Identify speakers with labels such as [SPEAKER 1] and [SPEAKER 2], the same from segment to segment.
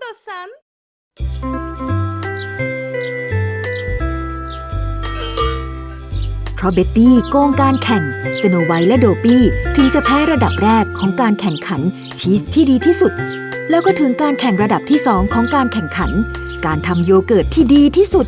[SPEAKER 1] さん
[SPEAKER 2] เพราะเบ็ตตี้โกงการแข่งสโนไวท์และโดปี้ถึงจะแพ้ระดับแรกของการแข่งขันชีสที่ดีที่สุดแล้วก็ถึงการแข่งระดับที่2ของการแข่งขันการทำโยเกิร์ตที่ดีที่สุด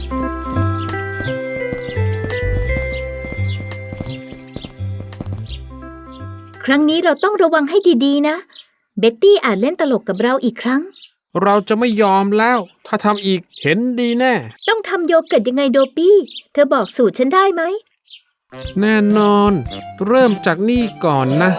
[SPEAKER 3] ครั้งนี้เราต้องระวังให้ดีๆนะเบ็ตตี้อาจเล่นตลกกับเราอีกครั้ง
[SPEAKER 4] เราจะไม่ยอมแล้วถ้าทำอีกเห็นดีแน่
[SPEAKER 3] ต้องทำโยเกิร์ตยังไงโดปี้เธอบอกสูตรฉันได้ไหม
[SPEAKER 4] แน่นอนเริ่มจากนี่ก่อนนะ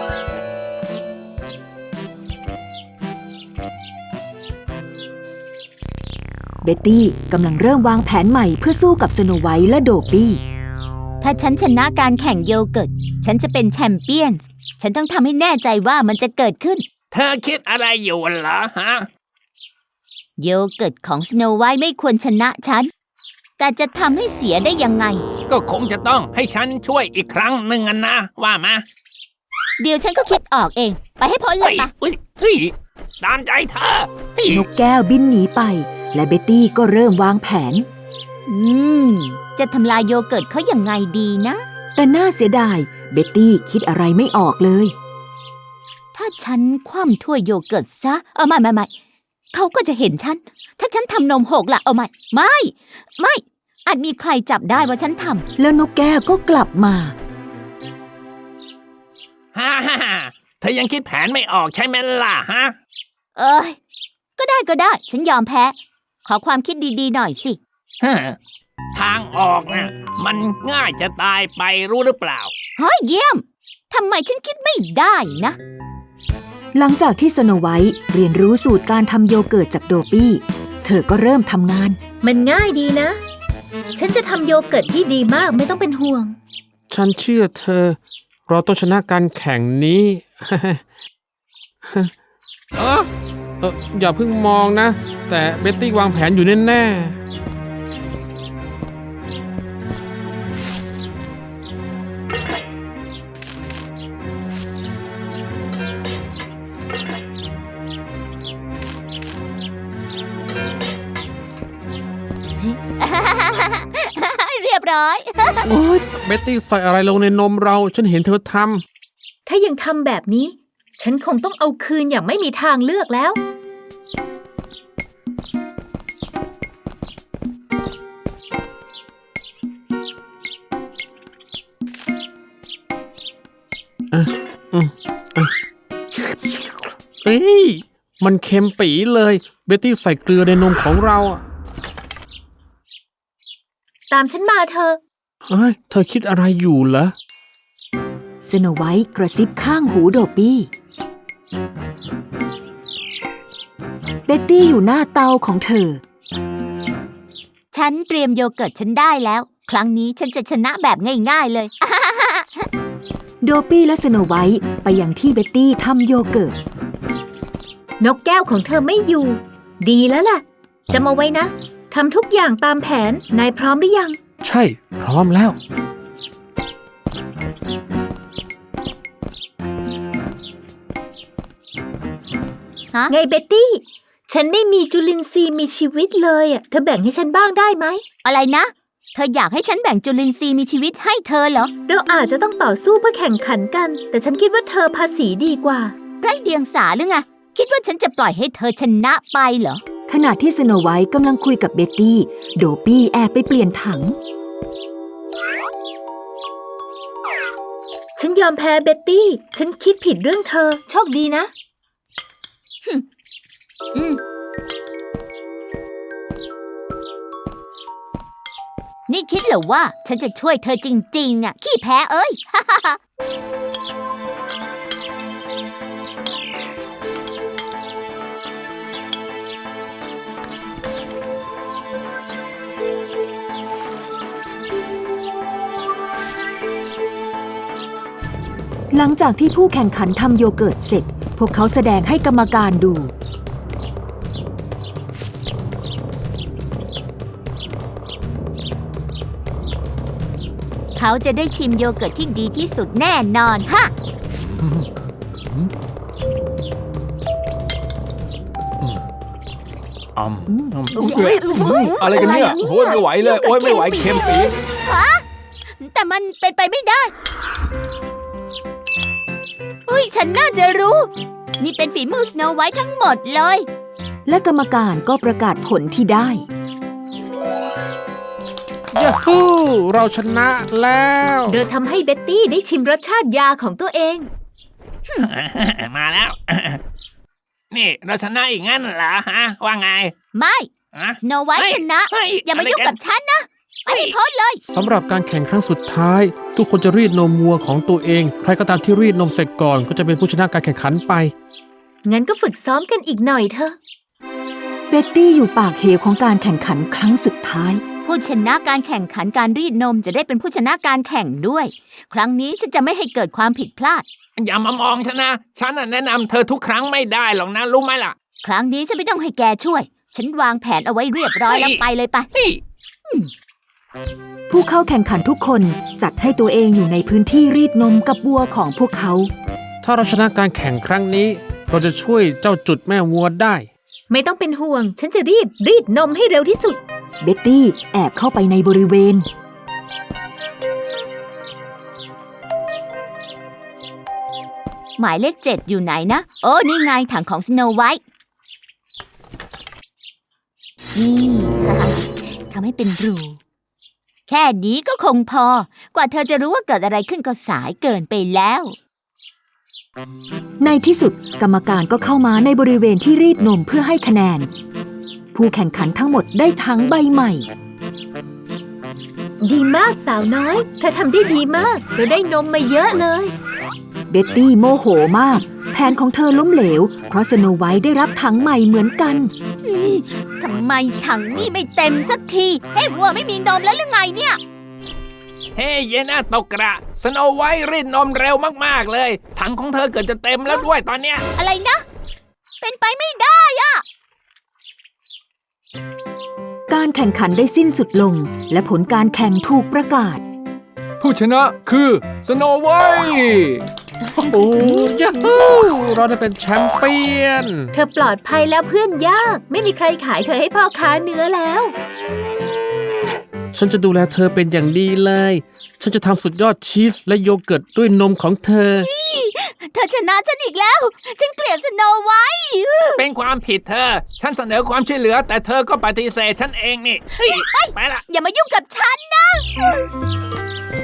[SPEAKER 2] เบ็ตตี้กำลังเริ่มวางแผนใหม่เพื่อสู้กับสโนไวท์และโดปี้
[SPEAKER 5] ถ้าฉันชนะการแข่งโยเกิร์ตฉันจะเป็นแชมเปี้ยนฉันต้องทำให้แน่ใจว่ามันจะเกิดขึ้น
[SPEAKER 6] เธอคิดอะไรอยู่เหรอฮะ
[SPEAKER 5] โยเกิร์ตของสโนไวท์ไม่ควรชนะฉันแต่จะทำให้เสียได้ยังไง
[SPEAKER 6] ก็คงจะต้องให้ฉันช่วยอีกครั้งหนึ่งนะว่ามา
[SPEAKER 5] เดี๋ยวฉันก็คิดออกเองไปให้พ้นเลยปะ
[SPEAKER 6] เฮ้ยตามใจเธอน
[SPEAKER 2] กแก้วบินหนีไปและเบ็ตตี้ก็เริ่มวางแผน
[SPEAKER 5] จะทำลายโยเกิร์ตเขายังไงดีนะ
[SPEAKER 2] แต่น่าเสียดายเบ็ตตี้คิดอะไรไม่ออกเลย
[SPEAKER 5] ถ้าฉันคว่ำถ้วยโยเกิร์ตซะไม่เขาก็จะเห็นฉันถ้าฉันทำนมหกล่ะไม่อาจมีใครจับได้ว่าฉันทำ
[SPEAKER 2] แล้วนกแก้วก็กลับมา
[SPEAKER 6] ฮ่าเธอยังคิดแผนไม่ออกใช่ไหมล่ะฮะ
[SPEAKER 5] ก็ได้ฉันยอมแพ้ขอความคิดดีๆหน่อยสิ
[SPEAKER 6] ทางออกน่ะมันง่ายจะตายไปรู้หรือเปล่า
[SPEAKER 5] เยี่ยมทำไมฉันคิดไม่ได้นะ
[SPEAKER 2] หลังจากที่สโนไวท์เรียนรู้สูตรการทำโยเกิร์ตจากโดปี้เธอก็เริ่มทำงาน
[SPEAKER 3] มันง่ายดีนะฉันจะทำโยเกิร์ตที่ดีมากไม่ต้องเป็นห่วง
[SPEAKER 4] ฉันเชื่อเธอเราต้องชนะการแข่งนี้อย่าเพิ่งมองนะแต่เบ็ตตี้วางแผนอยู่แน่ๆ
[SPEAKER 5] เรียบร้อย
[SPEAKER 4] โอ๊ยเบ็ตตี้ใส่อะไรลงในนมเราฉันเห็นเธอท
[SPEAKER 3] ำถ้ายังทำแบบนี้ฉันคงต้องเอาคืนอย่างไม่มีทางเลือกแล้ว
[SPEAKER 4] มันเค็มปี๋เลยเบ็ตตี้ใส่เกลือในนมของเรา
[SPEAKER 3] ตามฉันมาเธอ
[SPEAKER 4] เธอคิดอะไรอยู่เหรอ
[SPEAKER 2] สโนไวท์กระซิบข้างหูโดปี้เบ็ตตี้อยู่หน้าเตาของเธอ
[SPEAKER 5] ฉันเตรียมโยเกิร์ตฉันได้แล้วครั้งนี้ฉันจะชนะแบบง่ายๆเลย
[SPEAKER 2] โดปี้และสโนไวท์ไปยังที่เบ็ตตี้ทำโยเกิร์ต
[SPEAKER 3] นกแก้วของเธอไม่อยู่ดีแล้วล่ะจำเอาไว้นะทำทุกอย่างตามแผนนายพร้อมหรือยัง
[SPEAKER 4] ใช่พร้อมแล้ว
[SPEAKER 3] ไงเบ็ตตี้ฉันไม่มีจุลินทรีย์มีชีวิตเลยเธอแบ่งให้ฉันบ้างได้ไหม
[SPEAKER 5] อะไรนะเธออยากให้ฉันแบ่งจุลินทรีย์มีชีวิตให้เธอเหรอ
[SPEAKER 3] เราอาจจะต้องต่อสู้เพื่อแข่งขันกันแต่ฉันคิดว่าเธอภาษีดีกว่า
[SPEAKER 5] ไร้เดียงสาหรือไงคิดว่าฉันจะปล่อยให้เธอชนะไปเหรอ
[SPEAKER 2] ขณะที่สโนไวท์กำลังคุยกับเบ็ตตี้โดปี้แอบไปเปลี่ยนถัง
[SPEAKER 3] ฉันยอมแพ้เบ็ตตี้ฉันคิดผิดเรื่องเธอโชคดีนะ
[SPEAKER 5] นี่คิดเหรอว่าฉันจะช่วยเธอจริงๆขี้แพ้เอ้ย
[SPEAKER 2] หลังจากที่ผู้แข่งขันทำโยเกิร์ตเสร็จพวกเขาแสดงให้กรรมการดู
[SPEAKER 5] เขาจะได้ชิมโยเกิร์ตที่ดีที่สุดแน่นอนฮะ
[SPEAKER 6] อ
[SPEAKER 4] อะไรกันเนี่ยโอ้ยไม่ไหวเลยโอ้ยไม่ไหวเค็มปี๊ด
[SPEAKER 5] แต่มันเป็นไปไม่ได้อุ้ยฉันน่าจะรู้ นี่เป็นฝีมือสโนไวท์ทั้งหมดเลย
[SPEAKER 2] และกรรมการก็ประกาศผลที่ได้
[SPEAKER 4] ยาฮูเราชนะแล้ว
[SPEAKER 3] โดยทำให้เบ็ตตี้ได้ชิมรสชาติยาของตัวเอง
[SPEAKER 6] มาแล้ว นี่เราชนะอีกงั้นเหรอฮะ ว่าไง
[SPEAKER 5] ไม่
[SPEAKER 6] ฮะ
[SPEAKER 5] สโนไวท์
[SPEAKER 6] เฮ้ย
[SPEAKER 5] ชนะ
[SPEAKER 6] เฮ้ย
[SPEAKER 5] อย่ามายุ่งกับฉันนะไปให้พ้นเลย
[SPEAKER 4] สำหรับการแข่งครั้งสุดท้าย ทุกคนจะรีดนมวัวของตัวเอง ใครก็ตามที่รีดนมเสร็จก่อนก็จะเป็นผู้ชนะการแข่งขันไป
[SPEAKER 3] งั้นก็ฝึกซ้อมกันอีกหน่อยเถอะ
[SPEAKER 2] เบ็ตตี้อยู่ปากเหวของการแข่งขันครั้งสุดท้าย
[SPEAKER 5] ผู้ชนะการแข่งขันการรีดนมจะได้เป็นผู้ชนะการแข่งด้วย ครั้งนี้ฉันจะไม่ให้เกิดความผิดพลาด
[SPEAKER 6] อย่ามามองฉันนะ ฉันน่ะแนะนำเธอทุกครั้งไม่ได้หรอกนะ รู้ไหมล่ะ
[SPEAKER 5] ครั้งนี้ฉันไม่ต้องให้แกช่วย ฉันวางแผนเอาไว้เรียบร้อยแล้วไปเลยไป
[SPEAKER 6] เฮ้ย
[SPEAKER 2] ผู้เข้าแข่งขันทุกคนจัดให้ตัวเองอยู่ในพื้นที่รีดนมกับวัวของพวกเขา
[SPEAKER 4] ถ้าเราชนะการแข่งครั้งนี้ เราจะช่วยเจ้าจุดแม่วัวได้
[SPEAKER 3] ไม่ต้องเป็นห่วง ฉันจะรีดนมให้เร็วที่สุด
[SPEAKER 2] เบ็ตตี้แอบเข้าไปในบริเวณ
[SPEAKER 5] หมายเลข 7 อยู่ไหนนะ โอ้นี่ไงถังของสโนไวท์นี่ ทำให้เป็นรู แค่นี้ก็คงพอ กว่าเธอจะรู้ว่าเกิดอะไรขึ้นก็สายเกินไปแล้ว
[SPEAKER 2] ในที่สุดกรรมการก็เข้ามาในบริเวณที่รีดนมเพื่อให้คะแนน ผู้แข่งขันทั้งหมดได้ถังใบใหม่
[SPEAKER 3] ดีมากสาวน้อย เธอทำได้ดีมากเราได้นมมาเยอะเลย
[SPEAKER 2] เบ็ตตี้โมโหมาก แผนของเธอล้มเหลว เพราะสโนไวท์ได้รับถังใหม่เหมือนกัน
[SPEAKER 5] ทำไมถังนี่ไม่เต็มสักทีเฮ้ยวัวไม่มีนมแล้วหรือไงเนี่ย
[SPEAKER 6] เฮ้ยเยน่าตกกระสโนไวท์รีดนมเร็วมากๆเลย ถังของเธอเกิดจะเต็มแล้วด้วยตอนเนี้ย
[SPEAKER 5] อะไรนะ เป็นไปไม่ได้อะ
[SPEAKER 2] การแข่งขันได้สิ้นสุดลง และผลการแข่งถูกประกาศ
[SPEAKER 4] ผู้ชนะคือสโนไวท์โอ้ยาฮูเราได้เป็นแชมเปี้ยน
[SPEAKER 3] เธอปลอดภัยแล้วเพื่อนยาก ไม่มีใครขายเธอให้พ่อค้าเนื้อแล้ว
[SPEAKER 4] ฉันจะดูแลเธอเป็นอย่างดีเลย ฉันจะทำสุดยอดชีสและโยเกิร์ตด้วยนมของเธอ
[SPEAKER 5] เธอชนะฉันอีกแล้ว ฉันเกลียดสโนไวท์
[SPEAKER 6] เป็นความผิดเธอ ฉันเสนอความช่วยเหลือ แต่เธอก็ปฏิเสธฉันเองนี่เฮ้ยไปละ
[SPEAKER 5] อย่ามายุ่งกับฉันนะ